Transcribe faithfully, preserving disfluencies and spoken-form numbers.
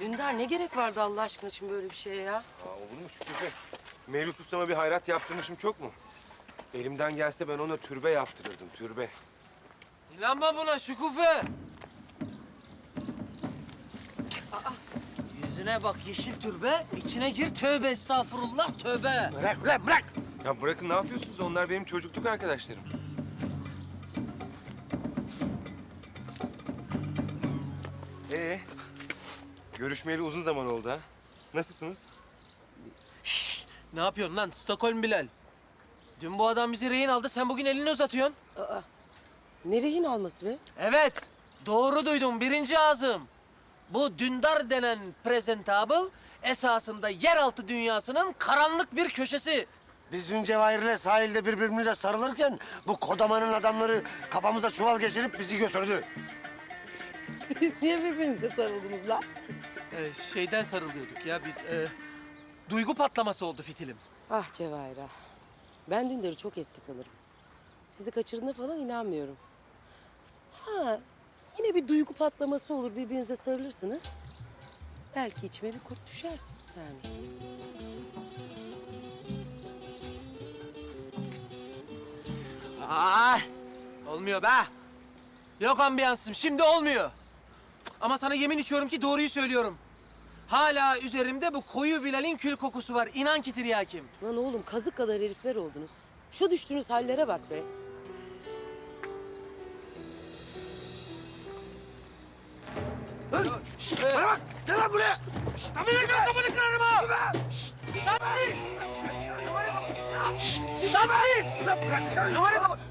Dündar ne gerek vardı Allah aşkına şimdi böyle bir şeye ya? Aa, olur mu Şükrü? Mevlüt Usta'ma bir hayrat yaptırmışım çok mu? Elimden gelse ben ona türbe yaptırırdım, türbe. İnanma buna Şükufe. Yüzüne bak yeşil türbe, içine gir tövbe estağfurullah tövbe. Bırak ulan bırak! Ya bırakın ne yapıyorsunuz? Onlar benim çocukluk arkadaşlarım. Ee, görüşmeyeli uzun zaman oldu ha. Nasılsınız? Ne yapıyorsun lan Stockholm Bilal? Dün bu adam bizi rehin aldı, sen bugün elini uzatıyorsun. Aa, ne rehin alması be? Evet, doğru duydum birinci ağzım. Bu Dündar denen presentable esasında yeraltı dünyasının karanlık bir köşesi. Biz dün Cevahir'le sahilde birbirimize sarılırken bu kodamanın adamları kafamıza çuval geçirip bizi götürdü. Siz niye birbirinize sarıldınız lan? Ee, şeyden sarılıyorduk ya biz. e, duygu patlaması oldu fitilim. Ah Cevahir ah. Ben Dündar'ı çok eski tanırım. Sizi kaçırdığına falan inanmıyorum. Ha, yine bir duygu patlaması olur, birbirinize sarılırsınız. Belki içime bir kurt düşer yani. Aa, olmuyor be. Yok ambiyansım, şimdi olmuyor. Ama sana yemin içiyorum ki doğruyu söylüyorum. Hala üzerimde bu koyu Bilal'in kül kokusu var. İnan ki tiryakim. Lan oğlum kazık kadar herifler oldunuz. Şu düştüğünüz hallere bak be. Şşt, Bana bak! Gel lan buraya! Tabii lan kafanı kırarım ha! Şşt! Şşt! Şşt!